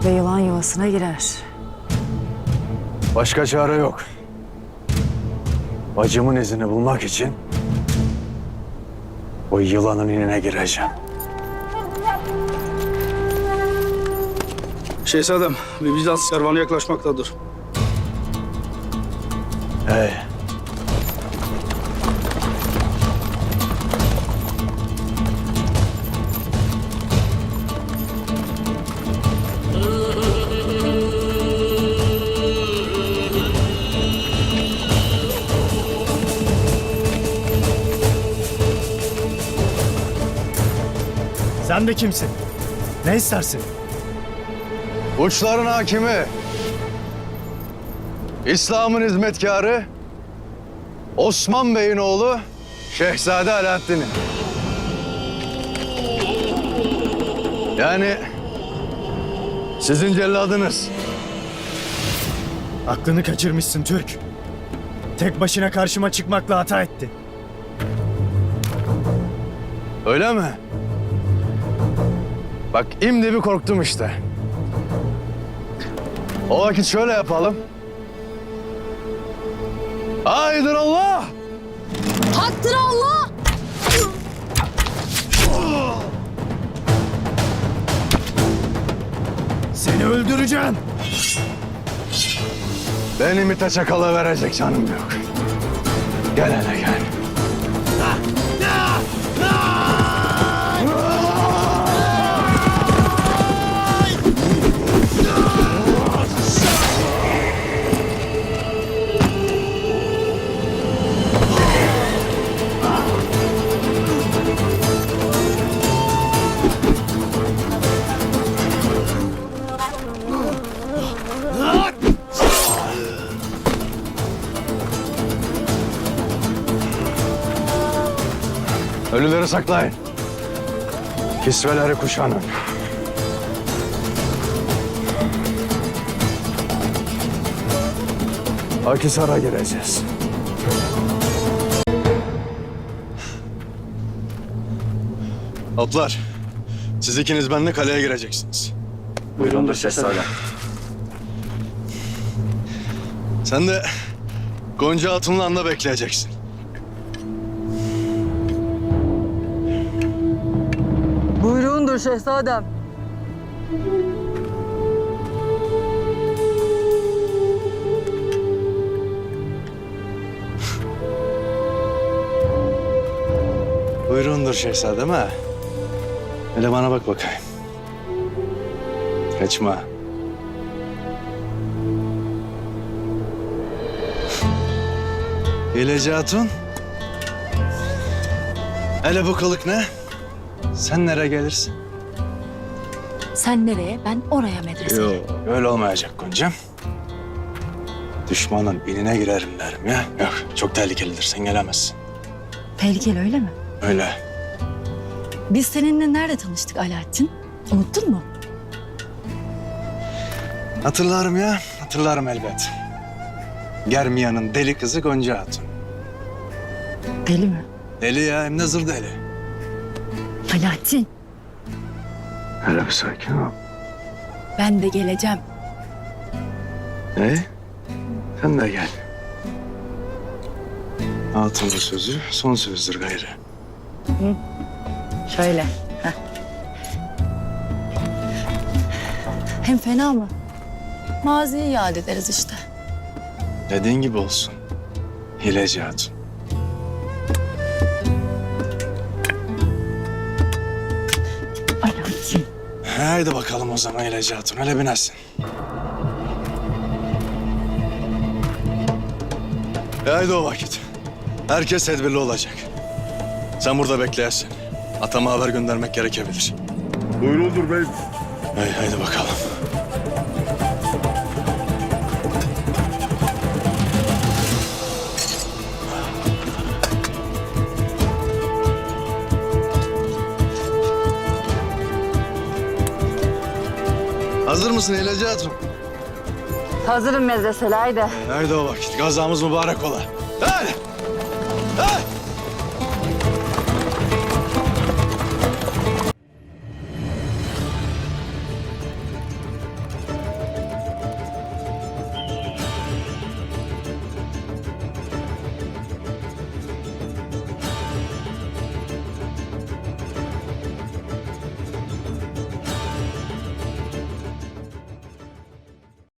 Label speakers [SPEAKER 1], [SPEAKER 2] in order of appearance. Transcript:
[SPEAKER 1] ve yılan yuvasına girer.
[SPEAKER 2] Başka çare yok. Bacımın izini bulmak için o yılanın inine gireceğim.
[SPEAKER 3] Şehzadem, bir Bizans kervanı yaklaşmaktadır.
[SPEAKER 2] Hey.
[SPEAKER 4] Sen de kimsin? Ne istersin?
[SPEAKER 2] Uçların hakimi, İslam'ın hizmetkarı, Osman Bey'in oğlu Şehzade Alaaddin'in. Yani sizin celladınız.
[SPEAKER 4] Aklını kaçırmışsın Türk. Tek başına karşıma çıkmakla hata ettin.
[SPEAKER 2] Öyle mi? Bak imdi bir korktum işte. O vakit şöyle yapalım. Haydır Allah!
[SPEAKER 1] Haktır Allah!
[SPEAKER 4] Seni öldüreceğim.
[SPEAKER 2] Beni MİT'e çakala verecek canım yok. Gel hele gel. Ölüleri saklayın. Kisveleri kuşanın. Akhisar'a gireceğiz. Atlar, siz ikiniz benimle kaleye gireceksiniz.
[SPEAKER 3] Buyurundur şehzadem.
[SPEAKER 2] Sen de Gonca Hatun'la anda bekleyeceksin.
[SPEAKER 5] Buyruğundur şehzadem.
[SPEAKER 2] Buyurundur şehzadem ha. Hele bana bak bakayım. Kaçma. Hileci Hatun. Hele bu kılık ne? Sen nereye gelirsin?
[SPEAKER 1] Sen nereye, ben oraya medrese.
[SPEAKER 2] Yok, öyle olmayacak Gonca'm. Düşmanın inine girerim derim ya. Yok, çok tehlikelidir, sen gelemezsin.
[SPEAKER 1] Tehlikeli öyle mi?
[SPEAKER 2] Öyle.
[SPEAKER 1] Biz seninle nerede tanıştık Alaaddin? Unuttun mu?
[SPEAKER 2] Hatırlarım ya, hatırlarım elbet. Germiyan'ın deli kızı Gonca Hatun.
[SPEAKER 1] Deli mi?
[SPEAKER 2] Deli ya, hem de zır deli.
[SPEAKER 1] Alaaddin,
[SPEAKER 2] Hele bir sakin ol.
[SPEAKER 1] ben de geleceğim.
[SPEAKER 2] Sen de gel. Hatun'un sözü son sözdür gayrı.
[SPEAKER 1] Şöyle. Heh. Hem fena mı? Maziyi yad ederiz işte.
[SPEAKER 2] Dediğin gibi olsun. Hileci Hatun.
[SPEAKER 1] Alaaddin.
[SPEAKER 2] Haydi bakalım o zaman Hileci Hatun. Hele binersin. Haydi o vakit. Herkes tedbirli olacak. Sen burada bekleyesin. Atama haber göndermek gerekebilir.
[SPEAKER 3] Buyurundur bey.
[SPEAKER 2] Haydi bakalım. Hazır mısın Hileci Hatun?
[SPEAKER 5] Hazırım medreseli haydi.
[SPEAKER 2] Haydi o vakit. Gazamız mübarek ola. Hadi. Hadi.